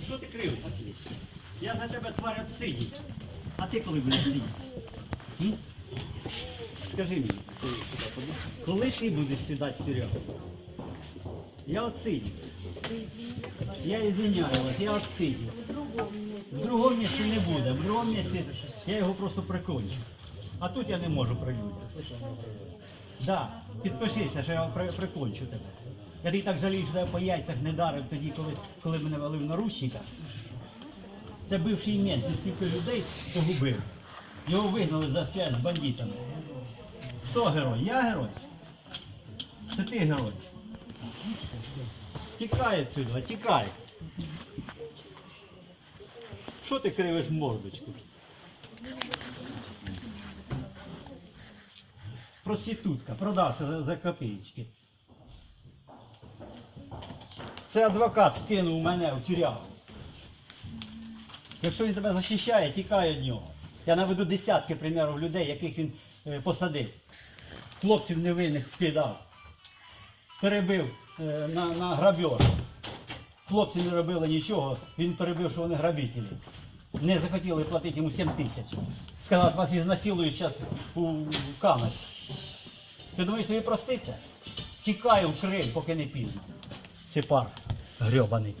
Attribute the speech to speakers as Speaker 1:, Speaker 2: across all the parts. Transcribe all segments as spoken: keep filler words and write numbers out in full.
Speaker 1: що ти кривишся? Я за тебе тварь отсидіть. А ти коли будеш сидіти? М? Скажи мені, коли ти будеш сідати в тюрягу? Я отсидів. Я извиняю вас, я отсидів. В другому місці не буде. В другому місці я його просто прикончу. А тут я не можу при людях. Да, підпишися, що я його при, прикончу тебе. Я тобі так жалію, що я по яйцях не дарив тоді, коли, коли мене вели в наручниках. Це бивший мент, він скільки людей погубив. Його вигнали за связь з бандитами. Хто герой? Я герой? Це ти герой? Тікай відсюди, тікай. Що ти кривиш мордочку? Проститутка, продався за, за копеечки. Це адвокат кинув мене в тюрягу. Якщо він тебе захищає, тікай від нього. Я наведу десятки примірів людей, яких він е, посадив. Хлопців невинних вкидав. Перебив е, на, на грабеж. Хлопці не робили нічого, він перебив, що вони грабителі. Не захотіли платити йому сім тисяч. Сказав, вас ізнасилують зараз у камері. Ти думаєш, тобі проститься? Тікай в Крим, поки не пізно. Сепар грьобаний.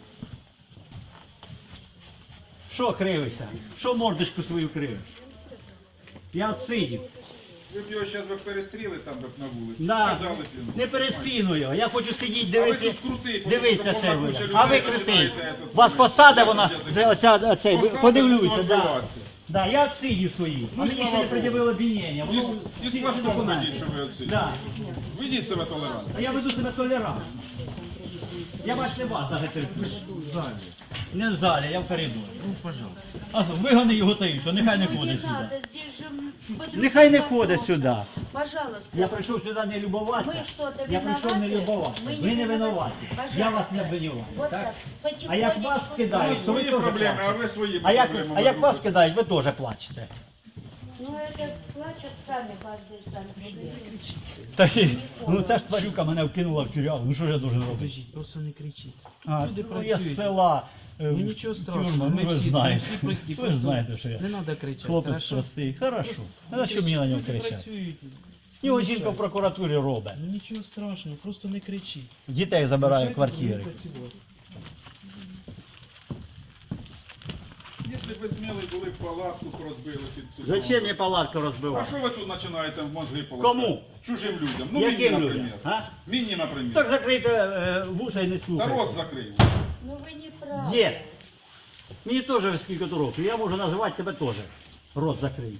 Speaker 1: Що кривишся? Що мордочку свою кривиш? Я отсидів.
Speaker 2: Ви б його зараз перестріли там б на вулиці.
Speaker 1: Да.
Speaker 2: Сказали б йому.
Speaker 1: Не перестріну його. Я хочу сидіти,
Speaker 2: А ви
Speaker 1: дивитися.
Speaker 2: тут крутий, бо
Speaker 1: Дивіться
Speaker 2: тут
Speaker 1: це
Speaker 2: повна
Speaker 1: ви.
Speaker 2: куча
Speaker 1: А ви
Speaker 2: людей
Speaker 1: крутий.
Speaker 2: починаєте тут
Speaker 1: Вас
Speaker 2: самі.
Speaker 1: посада вона,
Speaker 2: Язик.
Speaker 1: це, оця, оцей,
Speaker 2: Посада,
Speaker 1: подивлюся,
Speaker 2: тут
Speaker 1: да.
Speaker 2: відбиватися.
Speaker 1: Да, я отсидів свої. А
Speaker 2: Ну,
Speaker 1: мені ще
Speaker 2: слава
Speaker 1: не
Speaker 2: Богу.
Speaker 1: пред'явили обвинення.
Speaker 2: І,
Speaker 1: Воно
Speaker 2: і
Speaker 1: всі
Speaker 2: з флажком
Speaker 1: документи.
Speaker 2: ходіть, що ви оці.
Speaker 1: Да.
Speaker 2: Ведіть себе толерантно.
Speaker 1: А я веду себе толерантно. Я бачите вас навіть терплю. Не в залі, я в коридорі.
Speaker 3: Ну, пожалуйста.
Speaker 1: А вигони його тають, то нехай не ходить
Speaker 4: Не надо,
Speaker 1: сюди.
Speaker 4: здесь же м, под
Speaker 1: Нехай не
Speaker 4: любым
Speaker 1: ходить
Speaker 4: вопросом.
Speaker 1: сюди.
Speaker 4: Пожалуйста.
Speaker 1: Я прийшов сюди не любуватися.
Speaker 4: Ми що-то
Speaker 1: Я прийшов не
Speaker 4: винуваті?
Speaker 1: любуватися.
Speaker 4: Ми
Speaker 1: Ви не
Speaker 4: не
Speaker 1: винуваті.
Speaker 4: винуваті.
Speaker 1: Я вас не
Speaker 4: Пожалуйста.
Speaker 1: обвинюваю.
Speaker 4: Вот
Speaker 1: Так?
Speaker 4: так.
Speaker 1: А як
Speaker 4: Потихонечку.
Speaker 1: вас
Speaker 2: У
Speaker 1: кидають,
Speaker 2: вас
Speaker 1: то ви
Speaker 2: свої
Speaker 1: теж
Speaker 2: проблеми, а
Speaker 1: плачете.
Speaker 2: ви свої
Speaker 1: А як,
Speaker 2: проблеми.
Speaker 1: а як
Speaker 2: друг
Speaker 1: вас
Speaker 2: друга.
Speaker 1: кидають, ви теж плачете.
Speaker 4: Ну это плачут сами каждый сам.
Speaker 1: Та, й- ну ця ж тварюка мене вкинула в тюрягу. Ну що ж я должен робити?
Speaker 3: Подождіть, просто не кричіть.
Speaker 1: А,
Speaker 3: Люди
Speaker 1: ну, я з
Speaker 3: працюють.
Speaker 1: села. е,
Speaker 3: Ну
Speaker 1: в
Speaker 3: нічого
Speaker 1: тюрму,
Speaker 3: страшного,
Speaker 1: ну,
Speaker 3: ми
Speaker 1: ви
Speaker 3: всі,
Speaker 1: знаєте.
Speaker 3: всі прості.
Speaker 1: Ви ж
Speaker 3: просто
Speaker 1: знаєте, що я.
Speaker 3: Не треба кричати.
Speaker 1: Хлопець
Speaker 3: хорошо?
Speaker 1: простий. Хорошо. А на що
Speaker 3: Люди
Speaker 1: мені на нього
Speaker 3: люди
Speaker 1: кричати?
Speaker 3: працюють.
Speaker 1: Його
Speaker 3: Не
Speaker 1: жінка в
Speaker 3: мішайте.
Speaker 1: прокуратурі робить.
Speaker 3: Ну нічого страшного, просто не кричіть.
Speaker 1: Дітей забирає в
Speaker 3: Мішайте
Speaker 1: квартири.
Speaker 3: людям працювати.
Speaker 2: Якщо б ви сміли були б палатку, б розбили під судом.
Speaker 1: Зачем мені палатку
Speaker 2: А
Speaker 1: розбивати?
Speaker 2: що ви тут починаєте в мозги полоскати?
Speaker 1: Кому?
Speaker 2: Чужим людям. Ну,
Speaker 1: Яким
Speaker 2: мені,
Speaker 1: людям?
Speaker 2: наприклад.
Speaker 1: А?
Speaker 2: Мені, наприклад.
Speaker 1: Так закрийте е, вуша і не
Speaker 2: Та
Speaker 1: слухайте.
Speaker 2: рот закрив.
Speaker 4: Ну вы не правы.
Speaker 1: Дід, мені теж скільки то років, я можу називати тебе теж. Рот закрий.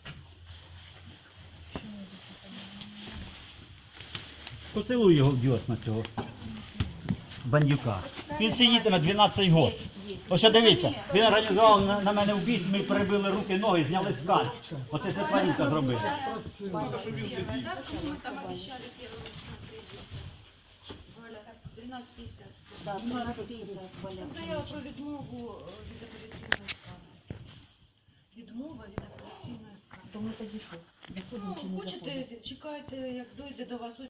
Speaker 1: Поцілуй його в дьосна цього бандюка. Він сидітиме дванадцять років. Ось що дивіться, він організував на, на мене вбійство, ми перебили руки, ноги, зняли скальп. Оце це тваринка зробила.
Speaker 2: Треба, щоб він сидів.
Speaker 5: Мы там обещали первый смотреть. Валя, тринадцать пятьдесят.
Speaker 4: Да, тринадцать пятьдесят, Валя.
Speaker 5: Заява про відмову е, від апеляційної скарги. Відмова від апеляційної скарги.
Speaker 4: То ми тоді що? Заходимо чи
Speaker 5: Ну,
Speaker 4: не заходимо?
Speaker 5: хочете, чекайте, як дойде до вас